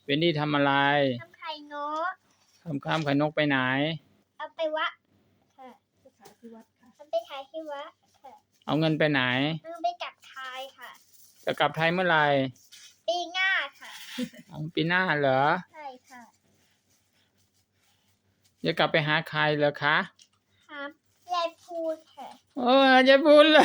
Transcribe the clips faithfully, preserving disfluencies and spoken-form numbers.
เวนดี้ทำอะไรทำไข่นกทำข้ามไข่นกไปไหนเอาไปวัดค่ะไปขายที่วัดค่ะเอาไปขายที่วัดค่ะเอาเงินไปไหนเอาไปกลับไทยค่ะจะกลับไทยเมื่อไหร่ปีหน้าค่ะอ๋อปีหน้าเหรอใช่ค่ะจะกลับไปหาใครเหรอคะครับยายพูดค่ะโอ้ยายพูนเหรอ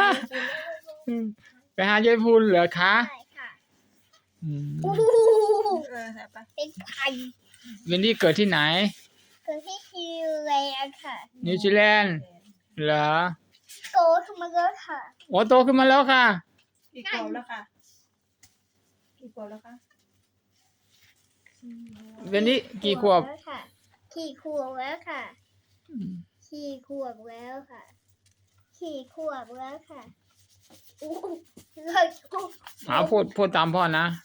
ไปหายายพูนเหรอคะใช่ค่ะอืมเป็นไข่เวนดี้เกิดที่ไหนเกิดที่นิวซีแลนด์ค่ะนิวซีแลนด์เหรอโตขึ้นมาแล้วค่ะโอ้โตขึ้นมาแล้วค่ะกี่ขวบแล้วค่ะกี่ขวบแล้วคะเวนดี้กี่ขวบแล้วค่ะขี่ขวบแล้วค่ะขี่ขวบแล้วค่ะขี่ขวบแล้วค่ะอู้เลยอ๋อพูดพูดตามพ่อนะ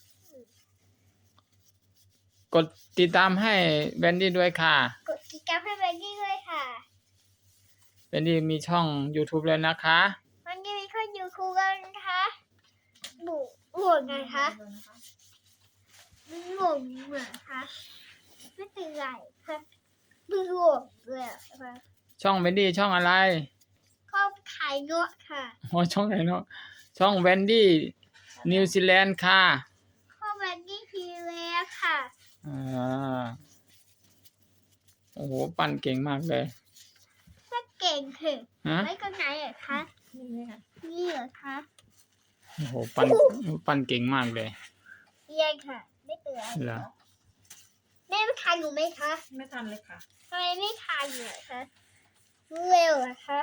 กดติดตามให้เวนดี้ด้วยค่ะกดติดตามให้เบนดี้ด้วยค่ะเวนดี้มีช่อง YouTube แล้วนะคะวันนี้มีคนอยู่คูกันนะคะบุห่วงไงคะไม่ห่วงเหมือนคะไม่เป็นไรค่ะไม่ห่วงเลยค่ะช่องเวนดี้ช่องอะไรชอบขายเนื้อค่ะอ๋อช่องไหนเนาะช่องเวนดี้นิวซีแลนด์ค่ะชอบเบนดี้ทีแล้วค่ะอ่าโอ้โหปั่นเก่งมากเลยก็เก่งคือฮะไว้ตรงไหนเหรอคะนี่ค่ะนี่เหรอคะโอ้โหปั่นปั่นเก่งมากเลยเรียนค่ะไม่เป็นไรเหรอแม่ไม่ทานหนูไหมคะไม่ทันเลยค่ะทำไมไม่ทานเหรอคะเร็วเหรอคะ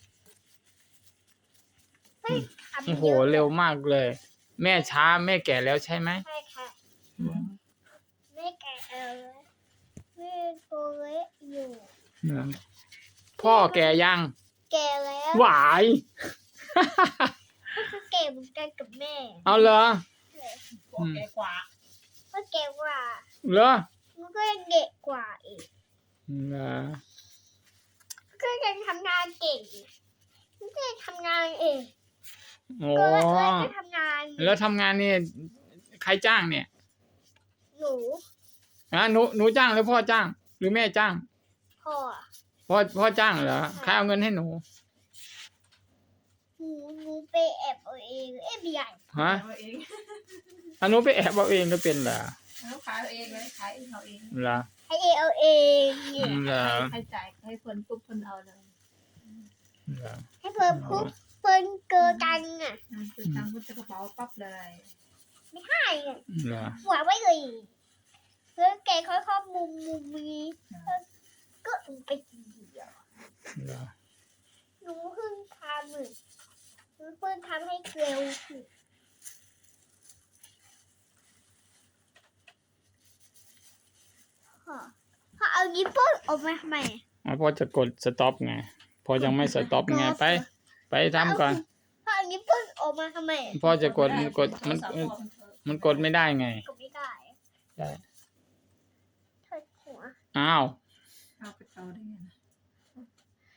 ไม่ทำโอ้โหเยอะเร็วมากเลย แม่ช้าแม่แก่แล้วใช่ไหมใช่ค่ะแม่แก่แล้วแม่ตัวเล็กอยู่พ่อแก่ยังแก่แล้วหวายก็คือแก่เหมือนกันกับแม่เอาเหรอพ่อแก่กว่าก็แก่กว่าเหรอมันก็ยังเด็กกว่าอีกเหรอก็ยังทำงานเก่งมันก็ยังทำงานเองโอ้ก็เลยก็ทำงานแล้วทำงานนี่ใครจ้างเนี่ยหนูอ่ะหนูหนูจ้างหรือพ่อจ้าง หรือแม่จ้างพ่อพ่อพ่อจ้างเหรอใครเอาเงินให้หนูหนูหนูไปแอบเอาเองเอ๊ะไม่ใหญ่ฮะเอาเองอันหนูไปแอบเอาเองก็เป็นเหรอเขาขายเอาเองเลยขายเองเอาเองเหรอให้เอเอาเองเนี่ยเหรอให้จ่ายให้คนปุ๊บคนเอาเลยเหรอให้เพิ่มคุกเพิ่มเกินกันอ่ะคือตังค์ก็จะกระเป๋าปั๊บเลยไม่ให้อ่ะเหรอหัวไว้เลยเพื่อแกค่อยๆมุมมุมนี้ก็ไปทีเดียวเหรอหนูเพิ่งทำเลยหนูเพิ่งทำให้เร็วขึ้นพ่อพ่อเอายิ้มปุ๊บออกมาทำไมอ๋อพ่อจะกดสต็อปไงพ่อยังไม่สต็อปไงไป ไปทำก่อนพ่อเอายิ้มปุ๊บออกมาทำไมพ่อจะกดมันกดมันมันกดไม่ได้ไงกดไม่ได้ใช่เถิดหัวอ้าวเอาไปเอาได้ไงนะ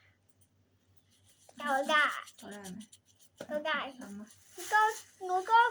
เกาได้เอาได้ไหมเกาได้ทำมาก็หนูก็